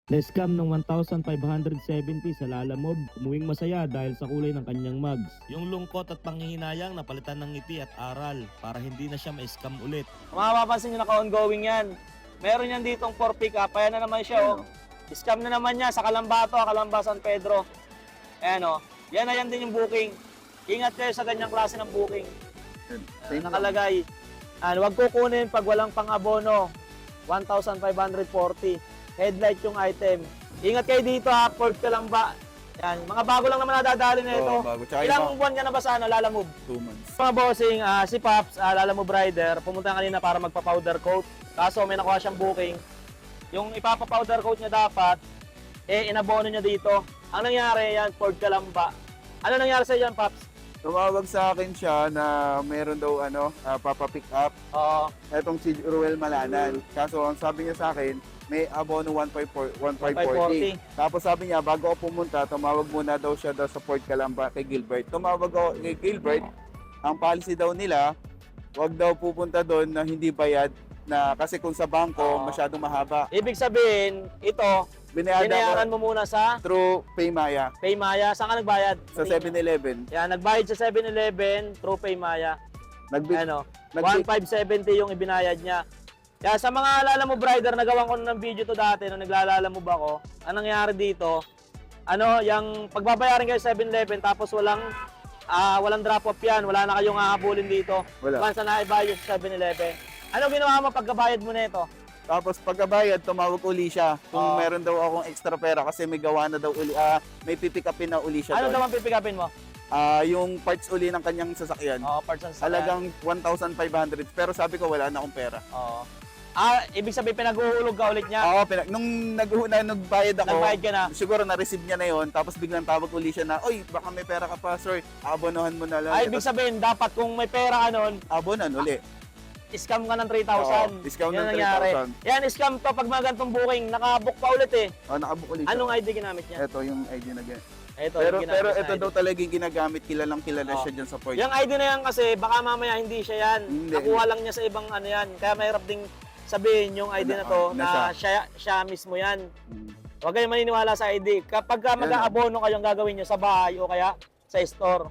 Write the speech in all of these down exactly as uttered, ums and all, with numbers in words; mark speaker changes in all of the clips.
Speaker 1: Na-scam ng one thousand five hundred seventy sa Lalamove, umuwing masaya dahil sa kulay ng kanyang mugs. Yung lungkot at panghihinayang napalitan ng ngiti at aral para hindi na siya ma-scam ulit.
Speaker 2: Mapapansin nyo naka-ongoing yan. Meron yan ditong for pick up. Ayan na naman siya, oh. Scam na naman niya sa Kalambato, Calamba, San Pedro. Ayan, oh. Yan na yan din yung booking. Ingat kayo sa ganyang klase ng booking. Ayan, nakalagay. Ano, wag kukunin pag walang pang-abono. one thousand five hundred forty. Headlight yung item. Ingat kayo dito ha, Port Calamba. Yan, mga bago lang naman nadadali na ito.
Speaker 3: Oo, bago. Tsaka
Speaker 2: Ilang
Speaker 3: iba-
Speaker 2: buwan ka na ba sa ano, Lalamove?
Speaker 3: Two months.
Speaker 2: Mga bossing, ah, si Pops, uh, Lalamove Rider, pumunta kanina para magpa-powder coat. Kaso may nakuha siyang booking. Yung ipapa-powder coat niya dapat, eh inabono niya dito. Ang nangyari yan, Port Calamba. Ano nangyari sa yan, Pops?
Speaker 3: Tumawag sa akin siya na meron daw ano, uh, papa-pick up.
Speaker 2: Oo.
Speaker 3: Etong si Ruel Malanan. Kaso ang sabi niya sa akin, may abono one five forty. Tapos sabi niya, bago ako pumunta, tumawag muna daw siya daw sa Port Calamba kay Gilbert. Tumawag ako kay Gilbert. Ang policy daw nila, wag daw pupunta doon na hindi bayad na kasi kung sa bangko,
Speaker 2: Oo.
Speaker 3: masyadong mahaba.
Speaker 2: Ibig sabihin, ito,
Speaker 3: Binayaran
Speaker 2: binayaran
Speaker 3: ko
Speaker 2: mo muna sa
Speaker 3: through Paymaya
Speaker 2: Paymaya. Saan ka nagbayad?
Speaker 3: sa seven eleven.
Speaker 2: Yan, nagbayad sa seven eleven through Paymaya.
Speaker 3: Nagbi-
Speaker 2: Ano,
Speaker 3: nagbi-
Speaker 2: one five seventy yung ibinayad niya. Kaya sa mga Lalamove Rider, nagawan ko na ng video to dati nung naglalamove ako. Anong nangyari dito? Ano, yung pagbabayaran kayo sa seven eleven tapos walang ah, walang drop off yan, wala na kayong hahabulin dito.
Speaker 3: Wala.
Speaker 2: Once na naibayad sa seven eleven. Ano ginawa mo pagkabayad mo nito?
Speaker 3: Tapos pagkabayad, tumawag uli siya kung
Speaker 2: Oo.
Speaker 3: meron daw akong extra pera kasi may gawa na daw uli, ah, may pipick upin na uli siya
Speaker 2: Ano
Speaker 3: doon.
Speaker 2: naman pipikapin mo?
Speaker 3: Ah, yung parts uli ng kanyang sasakyan.
Speaker 2: Oh, parts and sasakyan.
Speaker 3: Halagang one thousand five hundred pero sabi ko wala na akong pera.
Speaker 2: Oo. Ah, ibig sabihin pinag-uhulog ka ulit niya?
Speaker 3: Oo, pinag- nung nag-una nagbayad ako,
Speaker 2: Nagbayad ka na?
Speaker 3: siguro na-receive niya na yon, tapos biglang tawag uli siya na, "Oy, baka may pera ka pa, sir. Abonohan mo na lang."
Speaker 2: Ay, ibig sabihin, dapat kung may pera ka nun,
Speaker 3: abonan uli.
Speaker 2: scam ka ng three thousand.
Speaker 3: Oo, discount
Speaker 2: Yan
Speaker 3: ng
Speaker 2: nangyari.
Speaker 3: three thousand.
Speaker 2: Yan, scam to pag mga ganitong booking. Nakabook pa ulit eh.
Speaker 3: Oh, nakabook uli siya.
Speaker 2: Anong I D ginamit niya?
Speaker 3: Ito yung I D na ganyan.
Speaker 2: Ito,
Speaker 3: Pero
Speaker 2: yung ginamit
Speaker 3: pero
Speaker 2: na
Speaker 3: ito
Speaker 2: I D.
Speaker 3: daw talaga yung ginagamit, kilalang kilala
Speaker 2: Oo.
Speaker 3: siya diyan sa port.
Speaker 2: Yung I D na yan kasi, baka mamaya hindi siya yan.
Speaker 3: Hindi.
Speaker 2: Nakuha lang niya sa ibang ano yan. Kaya mahirap ding sabihin yung I D na to
Speaker 3: Na-
Speaker 2: na,
Speaker 3: na
Speaker 2: siya, siya mismo yan.
Speaker 3: Mm.
Speaker 2: Huwag kayong maniniwala sa I D. Kapag ka
Speaker 3: Yan,
Speaker 2: mag-aabono kayong gagawin nyo sa bahay o kaya sa store.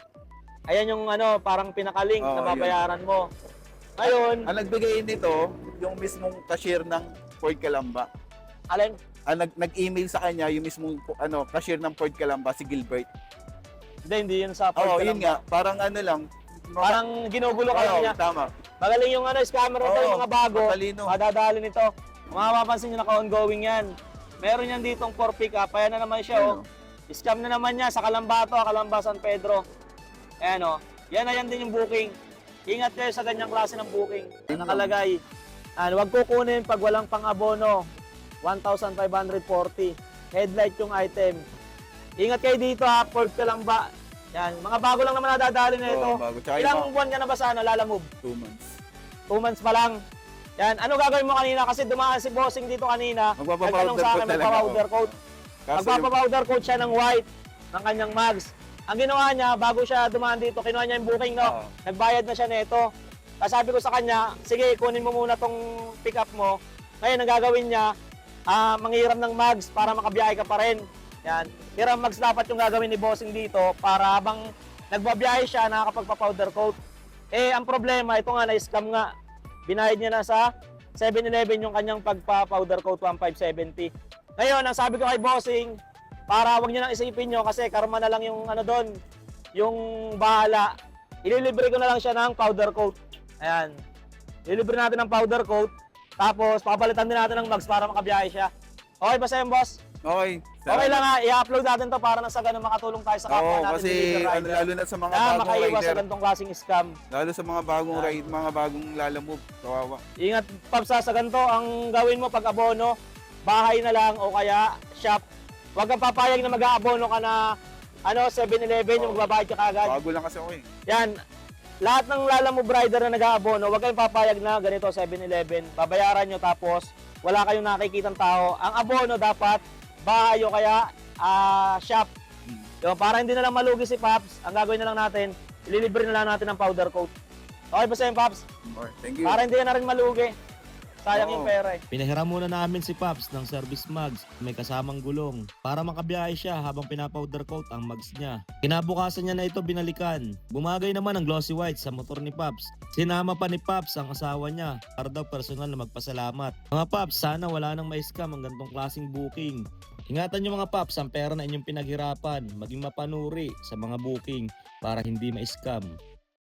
Speaker 2: Ayan yung ano, parang pinaka-link
Speaker 3: Oo,
Speaker 2: na babayaran mo. Ngayon,
Speaker 3: Ang nagbigay nito, yung mismong cashier ng Port Calamba.
Speaker 2: alin?
Speaker 3: Ang nag- nag-email sa kanya yung mismong ano, cashier ng Port Calamba, si Gilbert.
Speaker 2: Hindi, hindi yun sa
Speaker 3: Oo,
Speaker 2: Port
Speaker 3: yun
Speaker 2: Calamba.
Speaker 3: nga. Parang ano lang.
Speaker 2: Parang ginugulo ka
Speaker 3: Oo,
Speaker 2: lang niya.
Speaker 3: tama.
Speaker 2: Magaling yung ano, scammer nito,
Speaker 3: Oo,
Speaker 2: yung mga bago.
Speaker 3: matalino.
Speaker 2: Madadali nito. Mga mapapansin nyo, naka-ongoing yan. Meron yan ditong for pick up. Ayan na naman siya, oh. Scam na naman niya sa Kalambato, Calamba, San Pedro. Ayan, oh. Yan na yan din yung booking. Ingat kayo sa ganyang klase ng booking. Nakalagay. Ano, wag kukunin pag walang pang-abono. one thousand five hundred forty. Headlight yung item. Ingat kayo dito ha, Port Calamba. Yan, mga bago lang naman nadadali na ito.
Speaker 3: Oo, bago. Tsaka
Speaker 2: Ilang
Speaker 3: yung
Speaker 2: buwan ka na ba sa ano, Lalamove?
Speaker 3: two months.
Speaker 2: Two months pa lang. Yan, ano gagawin mo kanina? Kasi dumaan si bossing dito kanina.
Speaker 3: Magpapapowder
Speaker 2: Nagtanong sa akin,
Speaker 3: coat talaga
Speaker 2: magpa-powder
Speaker 3: ako.
Speaker 2: coat.
Speaker 3: Kaso yung,
Speaker 2: Magpapapowder coat siya ng white ng kanyang mags. Ang ginawa niya, bago siya dumaan dito, kinuha niya yung booking, no?
Speaker 3: Oo.
Speaker 2: Nagbayad na siya nito. Tapos sabi ko sa kanya, sige, kunin mo muna tong pick up mo. Ngayon, ang gagawin niya, ah, manghiram ng mags para makabiyahe ka pa rin. Yan. Hiram mags dapat yung gagawin ni bossing dito para habang nagbabiyahe siya, nakakapagpa-powder coat. Eh, ang problema, ito nga, na-scam nga. Binayad niya na sa seven eleven yung kanyang pagpa-powder coat one five seventy. Ngayon, ang sabi ko kay bossing, para wag niyo nang isipin nyo kasi karma na lang yung ano doon, yung bahala. Ililibre ko na lang siya ng powder coat. Ayan. Ililibre natin ng powder coat. Tapos, papalitan din natin ng mags para makabiyahe siya. Okay ba sa'yo, boss?
Speaker 3: okay.
Speaker 2: Okay lang ha, i-upload natin to para nang sa ganun makatulong tayo sa kapwa
Speaker 3: Oo,
Speaker 2: natin.
Speaker 3: kasi
Speaker 2: delivery
Speaker 3: ano,
Speaker 2: rider.
Speaker 3: lalo na sa mga
Speaker 2: Na
Speaker 3: bagong
Speaker 2: makaiwas sa
Speaker 3: rider.
Speaker 2: ganitong klaseng scam.
Speaker 3: Lalo sa mga bagong
Speaker 2: Ah.
Speaker 3: ride, mga bagong lalamove. Kawawa.
Speaker 2: Ingat, Paps, sa ganito, ang gawin mo pag abono, bahay na lang o kaya shop. Huwag kang papayag na mag-aabono ka na ano, seven eleven, yung
Speaker 3: Oo.
Speaker 2: magbabayad ka kagad.
Speaker 3: Bago lang kasi ako eh.
Speaker 2: Yan, lahat ng Lalamove Rider na nag-aabono, huwag kayong papayag na ganito seven eleven. Babayaran nyo tapos wala kayong nakikitang tao. Ang abono dapat bahay o kaya ah, shop.
Speaker 3: Hmm.
Speaker 2: Yung, para hindi na lang malugi si Paps, ang gagawin na lang natin, ililibre na lang natin ng powder coat. Okay ba sa'yo, Paps?
Speaker 3: Okay, thank you.
Speaker 2: Para hindi ka na rin malugi. Sayang
Speaker 3: Oo.
Speaker 2: yung pera eh.
Speaker 1: Pinahiram muna namin si Paps ng service mugs may kasamang gulong para makabiyahe siya habang pinapowder coat ang mugs niya. Kinabukasan niya na ito binalikan. Bumagay naman ang glossy white sa motor ni Paps. Sinama pa ni Paps ang asawa niya para daw personal na magpasalamat. Mga Paps, sana wala nang ma-scam ang ganitong klaseng booking. Ingatan niyo mga Paps ang pera na inyong pinaghirapan, maging mapanuri sa mga booking para hindi ma-scam.